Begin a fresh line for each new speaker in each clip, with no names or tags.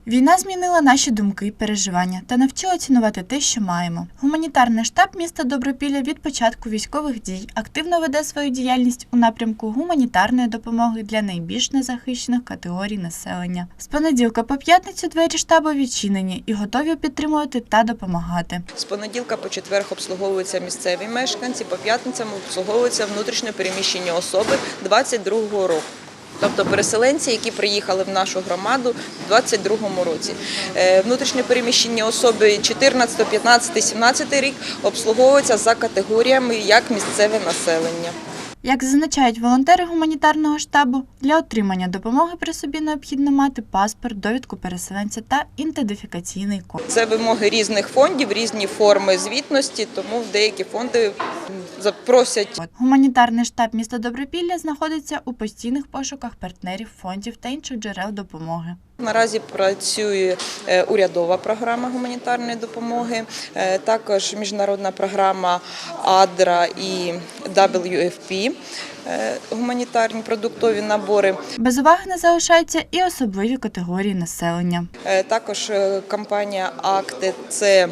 Війна змінила наші думки і переживання та навчила цінувати те, що маємо. Гуманітарний штаб міста Добропілля від початку військових дій активно веде свою діяльність у напрямку гуманітарної допомоги для найбільш незахищених категорій населення. З понеділка по п'ятницю двері штабу відчинені і готові підтримувати та допомагати.
З понеділка по четвер обслуговуються місцеві мешканці, по п'ятницям обслуговуються внутрішньо переміщені особи 22-го року. Тобто переселенці, які приїхали в нашу громаду в 2022 році. Внутрішньо переміщені особи 14, 15, 17 рік обслуговуються за категоріями як місцеве населення.
Як зазначають волонтери гуманітарного штабу, для отримання допомоги при собі необхідно мати паспорт, довідку переселенця та ідентифікаційний код.
Це вимоги різних фондів, різні форми звітності, тому в деякі фонди запросять.
Гуманітарний штаб міста Добропілля знаходиться у постійних пошуках партнерів, фондів та інших джерел допомоги.
Наразі працює урядова програма гуманітарної допомоги, також міжнародна програма АДРА і WFP, гуманітарні продуктові набори.
Без уваги не залишаються і особливі категорії населення.
Також компанія «Акти» – це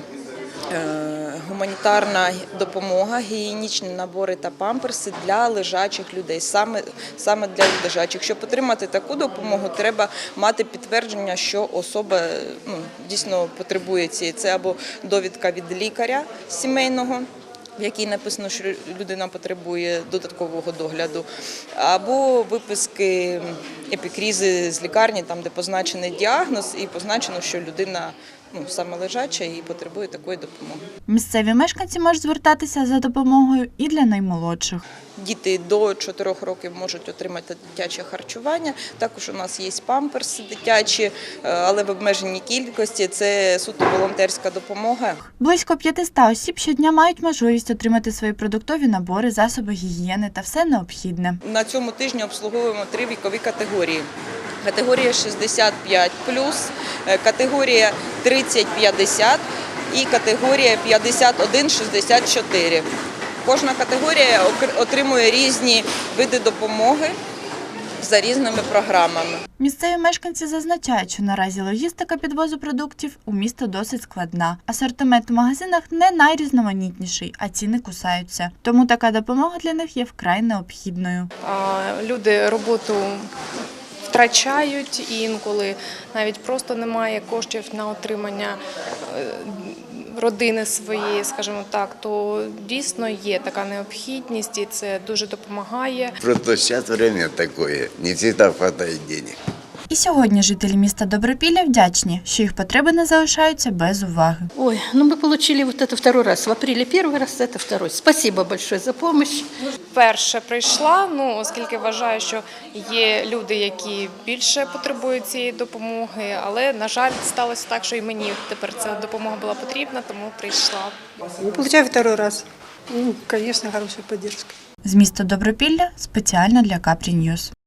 гуманітарна допомога, гігієнічні набори та памперси для лежачих людей, саме для лежачих. Щоб отримати таку допомогу, треба мати підтвердження, що особа дійсно потребує цієї. Це або довідка від лікаря сімейного, в якій написано, що людина потребує додаткового догляду, або виписки епікрізи з лікарні, там де позначений діагноз і позначено, що людина саме лежача і потребує такої допомоги.
Місцеві мешканці можуть звертатися за допомогою і для наймолодших.
Діти до 4 років можуть отримати дитяче харчування. Також у нас є памперси дитячі, але в обмеженій кількості. Це суто волонтерська допомога.
Близько 500 осіб щодня мають можливість отримати свої продуктові набори, засоби гігієни та все необхідне.
На цьому тижні обслуговуємо 3 вікові категорії. Категорія 65+, категорія 30-50 і категорія 51-64. Кожна категорія отримує різні види допомоги за різними програмами.
Місцеві мешканці зазначають, що наразі логістика підвозу продуктів у місто досить складна. Асортимент в магазинах не найрізноманітніший, а ціни кусаються. Тому така допомога для них є вкрай необхідною.
Люди роботу втрачають, і інколи навіть просто немає коштів на отримання родини своєї, скажімо так, то дійсно є така необхідність і це дуже допомагає.
Просто зараз час таке, не завжди вистачає грошей.
І сьогодні жителі міста Добропілля вдячні, що їх потреби не залишаються без уваги.
Ой, мы получили вот это второй раз. В апреле первый раз, это второй. Спасибо большое за помощь.
Перше прийшла, оскільки вважаю, що є люди, які більше потребують цієї допомоги, але, на жаль, сталося так, що і мені тепер ця допомога була потрібна, тому прийшла.
Получаю второй раз. Конечно, хорошая поддержка.
З міста Добропілля спеціально для Капрі Ньюс.